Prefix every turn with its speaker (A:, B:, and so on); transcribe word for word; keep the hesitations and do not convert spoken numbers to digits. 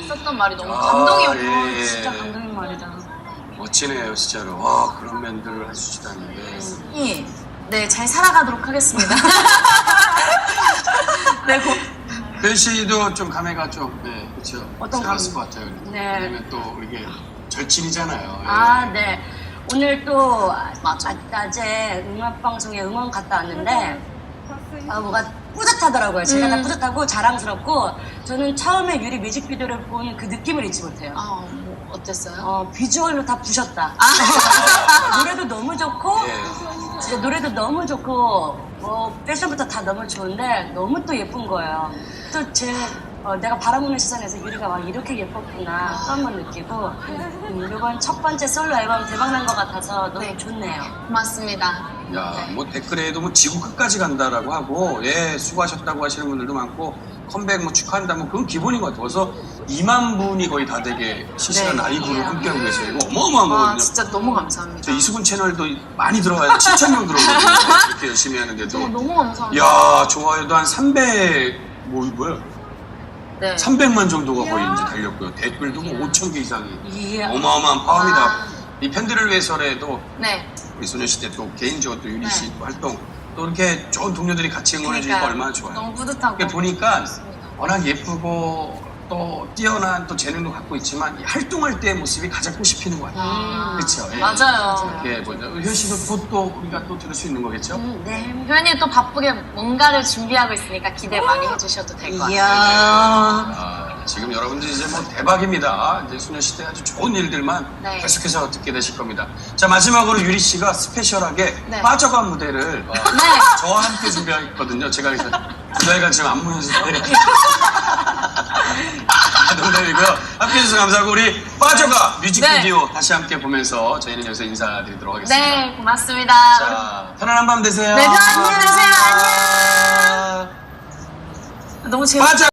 A: 썼던 말이 너무
B: 아,
A: 감동이었고
B: 예, 예.
A: 진짜 감동인 말이다.
B: 멋지네요, 진짜로. 와, 그런 면들을 해주시다니.
A: 예. 네, 잘 살아가도록 하겠습니다. 네, 고...
B: 현 씨도 좀 감회가 좀, 네, 그렇죠.
A: 어떤
B: 새로웠을
A: 감-
B: 것 같아요.
A: 네.
B: 왜냐면 또 이게 절친이잖아요. 예.
A: 아, 네. 오늘 또 맞아. 낮에 음악방송에 응원 갔다 왔는데 아, 뭐가 뿌듯하더라고요. 제가
C: 음.
A: 다 뿌듯하고 자랑스럽고 저는 처음에 유리 뮤직비디오를 본 그 느낌을 잊지 못해요.
C: 아, 뭐 어땠어요?
A: 어, 비주얼로 다 부셨다.
C: 아.
A: 노래도 너무 좋고
B: 예.
A: 진짜 노래도 너무 좋고 뭐 패션부터 다 너무 좋은데 너무 또 예쁜 거예요. 또 제 어, 내가 바라보는 시선에서 유리가 와 이렇게 예뻤구나 또 한 번 느끼고 음, 이번 첫 번째 솔로 앨범 대박난 것 같아서 너무
C: 네.
A: 좋네요.
C: 고맙습니다.
B: 야, 뭐 댓글에도 뭐 지구 끝까지 간다라고 하고, 예, 수고하셨다고 하시는 분들도 많고, 컴백 뭐 축하한다, 뭐 그건 기본인 것 같아요. 그래서 이만 분이 거의 다 되게 실시간
A: 네.
B: 라이브를 함께하고 계세요. 이거 어마어마한
C: 와,
B: 거거든요.
C: 진짜 너무 감사합니다.
B: 저 이수근 채널도 많이 들어와요. 칠천 명 들어오거든요. 이렇게 열심히 하는데도.
C: 어, 너무 감사합니다.
B: 야, 좋아요도 한 삼백, 뭐, 뭐야?
C: 네.
B: 삼백만 정도가 거의 이제 달렸고요. 댓글도 뭐 오천 개 이상이.
A: 이야.
B: 어마어마한 파워입니다.
C: 아.
B: 이 팬들을 위해서라도
C: 네.
B: 우리 소녀시대 또 개인적으로 또 유리 씨
C: 네.
B: 또 활동 또 이렇게 좋은 동료들이 같이 응원해주니까
C: 그러니까요.
B: 얼마나 좋아요.
C: 너무 뿌듯하고.
B: 이렇게 보니까
C: 좋습니다.
B: 워낙 예쁘고 또 뛰어난 또 재능도 갖고 있지만 이 활동할 때의 모습이 가장 꽃피는 것 같아요.
C: 음.
B: 그렇죠. 예.
C: 맞아요.
B: 예, 뭐, 효연 씨도 곧 또 우리가 또 들을 수 있는 거겠죠?
A: 음, 네.
C: 효연이 또 바쁘게 뭔가를 준비하고 있으니까 기대 많이 해주셔도 될 것 같아요.
A: 이야.
B: 아, 지금 여러분들 이제 뭐 대박입니다. 이제 소녀시대 아주 좋은 일들만
C: 네.
B: 계속해서 듣게 되실 겁니다. 자, 마지막으로 유리 씨가 스페셜하게
C: 네.
B: 빠져간 무대를 어,
C: 네.
B: 저와 함께 준비했거든요. 제가 그래서 두 달간 지금 안무 연습을 아, 농담이고요. 함께 해주셔서 감사하고 우리 빠져가 뮤직비디오 다시 함께 보면서 저희는 여기서 인사드리도록 하겠습니다.
C: 네, 고맙습니다.
B: 자, 편안한 밤 되세요.
C: 네, 안녕히 계세요. 안녕.
A: 너무 재밌
B: 빠져